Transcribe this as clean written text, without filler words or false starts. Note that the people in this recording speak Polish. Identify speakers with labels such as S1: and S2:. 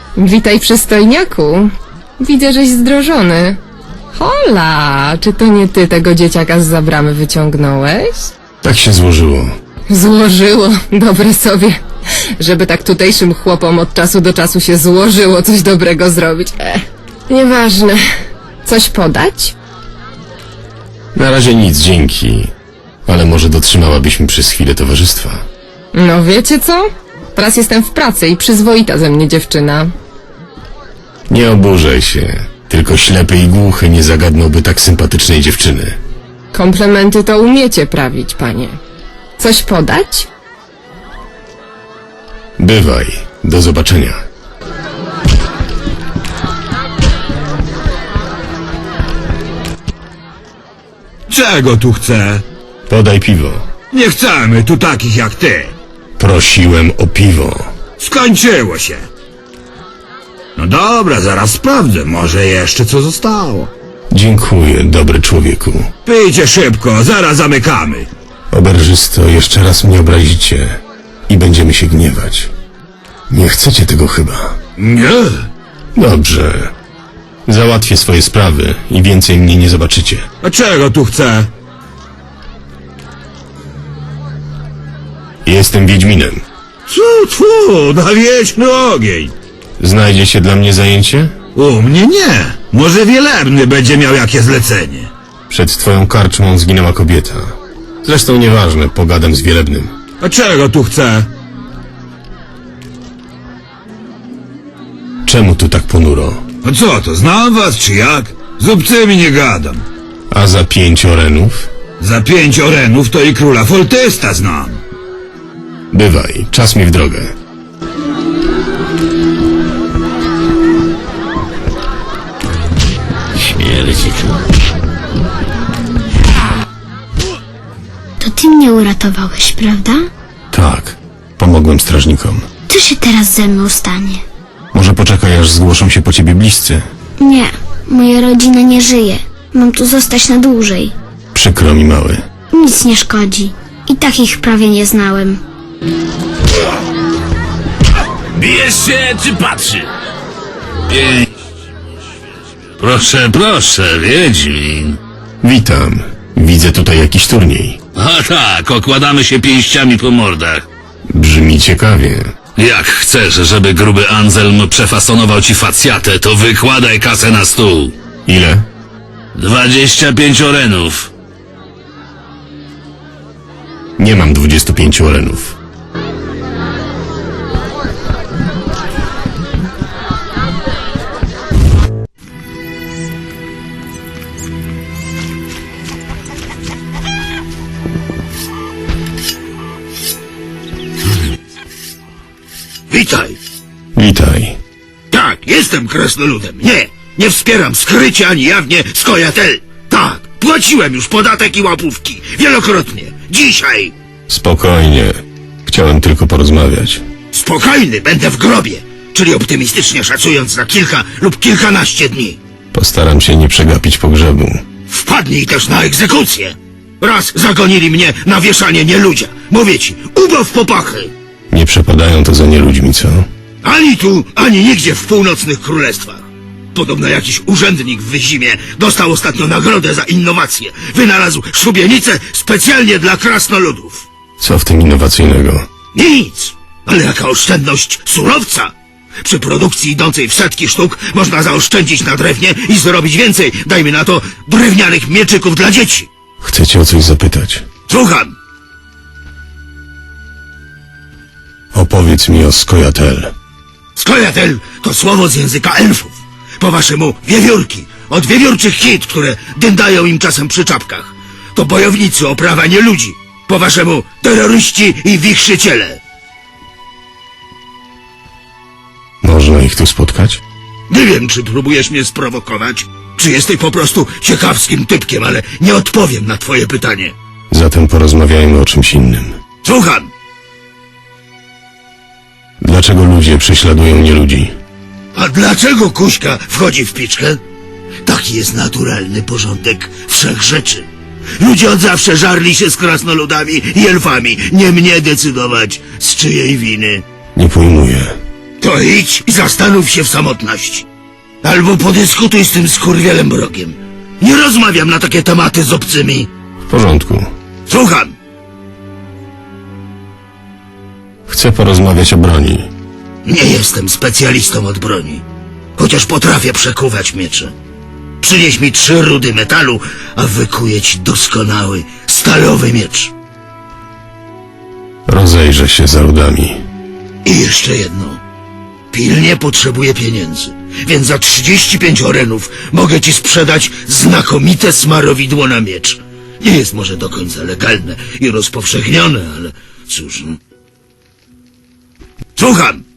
S1: Witaj, przystojniaku. Widzę, żeś zdrożony. Hola, czy to nie ty tego dzieciaka zza bramy wyciągnąłeś?
S2: Tak się złożyło.
S1: Złożyło, dobre sobie. Żeby tak tutejszym chłopom od czasu do czasu się złożyło coś dobrego zrobić. Nieważne. Coś podać?
S2: Na razie nic, dzięki. Ale może dotrzymałabyś mi przez chwilę towarzystwa.
S1: No wiecie co? Teraz jestem w pracy i przyzwoita ze mnie dziewczyna.
S2: Nie oburzaj się. Tylko ślepy i głuchy nie zagadnąłby tak sympatycznej dziewczyny.
S1: Komplementy to umiecie prawić, panie. Coś podać?
S2: Bywaj. Do zobaczenia.
S3: Czego tu chce?
S2: Podaj piwo.
S3: Nie chcemy tu takich jak ty.
S2: Prosiłem o piwo.
S3: Skończyło się. No dobra, zaraz sprawdzę. Może jeszcze co zostało.
S2: Dziękuję, dobry człowieku.
S3: Pijcie szybko, zaraz zamykamy.
S2: Oberżysto, jeszcze raz mnie obrazicie i będziemy się gniewać. Nie chcecie tego chyba.
S3: Nie.
S2: Dobrze. Załatwię swoje sprawy i więcej mnie nie zobaczycie.
S3: A czego tu chce?
S2: Jestem Wiedźminem.
S3: Tfu, na wieczny ogień.
S2: Znajdzie się dla mnie zajęcie?
S3: U mnie nie. Może Wielebny będzie miał jakie zlecenie.
S2: Przed twoją karczmą zginęła kobieta. Zresztą nieważne, pogadam z Wielebnym.
S3: A czego tu chce?
S2: Czemu tu tak ponuro?
S3: A co to, znam was czy jak? Z obcymi nie gadam.
S2: A za 5 orenów?
S3: Za 5 orenów to i króla Foltesta znam.
S2: Bywaj, czas mi w drogę.
S4: To ty mnie uratowałeś, prawda?
S2: Tak, pomogłem strażnikom.
S4: Co się teraz ze mną stanie?
S2: Może poczekaj, aż zgłoszą się po ciebie bliscy.
S4: Nie, moja rodzina nie żyje. Mam tu zostać na dłużej.
S2: Przykro mi, mały.
S4: Nic nie szkodzi. I tak ich prawie nie znałem.
S5: Bijesz się czy patrzy? Proszę, Wiedźmin.
S2: Witam. Widzę tutaj jakiś turniej.
S5: A tak, okładamy się pięściami po mordach.
S2: Brzmi ciekawie.
S5: Jak chcesz, żeby gruby Anselm przefasonował ci facjatę, to wykładaj kasę na stół.
S2: Ile?
S5: 25 orenów.
S2: Nie mam 25 orenów.
S3: Witaj.
S2: Witaj.
S3: Tak, jestem krasnoludem. Nie wspieram skrycie ani jawnie Skojatel. Tak, płaciłem już podatek i łapówki. Wielokrotnie. Dzisiaj.
S2: Spokojnie. Chciałem tylko porozmawiać.
S3: Spokojny będę w grobie. Czyli optymistycznie szacując na kilka lub kilkanaście dni.
S2: Postaram się nie przegapić pogrzebu.
S3: Wpadnij też na egzekucję. Raz zagonili mnie na wieszanie nieludzia. Mówię ci, ubaw popachy.
S2: Nie przepadają to za nieludźmi, co?
S3: Ani tu, ani nigdzie w północnych królestwach. Podobno jakiś urzędnik w Wyzimie dostał ostatnio nagrodę za innowację. Wynalazł szubienicę specjalnie dla krasnoludów.
S2: Co w tym innowacyjnego?
S3: Nic, ale jaka oszczędność surowca. Przy produkcji idącej w setki sztuk można zaoszczędzić na drewnie i zrobić więcej, dajmy na to, drewnianych mieczyków dla dzieci.
S2: Chcę cię o coś zapytać.
S3: Słucham.
S2: Opowiedz mi o Skojatel.
S3: Skojatel to słowo z języka elfów. Po waszemu wiewiórki, od wiewiórczych hit, które dędają im czasem przy czapkach. To bojownicy o prawa nieludzi. Po waszemu terroryści i wichrzyciele.
S2: Można ich tu spotkać?
S3: Nie wiem, czy próbujesz mnie sprowokować, czy jesteś po prostu ciekawskim typkiem, ale nie odpowiem na twoje pytanie.
S2: Zatem porozmawiajmy o czymś innym.
S3: Słucham.
S2: Dlaczego ludzie prześladują nieludzi?
S3: A dlaczego Kuśka wchodzi w piczkę? Taki jest naturalny porządek wszechrzeczy. Ludzie od zawsze żarli się z krasnoludami i elfami. Nie mnie decydować, z czyjej winy.
S2: Nie pojmuję.
S3: To idź i zastanów się w samotności. Albo podyskutuj z tym skurwielem Brogiem. Nie rozmawiam na takie tematy z obcymi.
S2: W porządku.
S3: Słucham.
S2: Chcę porozmawiać o broni.
S3: Nie jestem specjalistą od broni. Chociaż potrafię przekuwać miecze. Przynieś mi 3 rudy metalu, a wykuję ci doskonały, stalowy miecz.
S2: Rozejrzę się za rudami.
S3: I jeszcze jedno. Pilnie potrzebuję pieniędzy, więc za 35 orenów mogę ci sprzedać znakomite smarowidło na miecz. Nie jest może do końca legalne i rozpowszechnione, ale cóż... Słucham!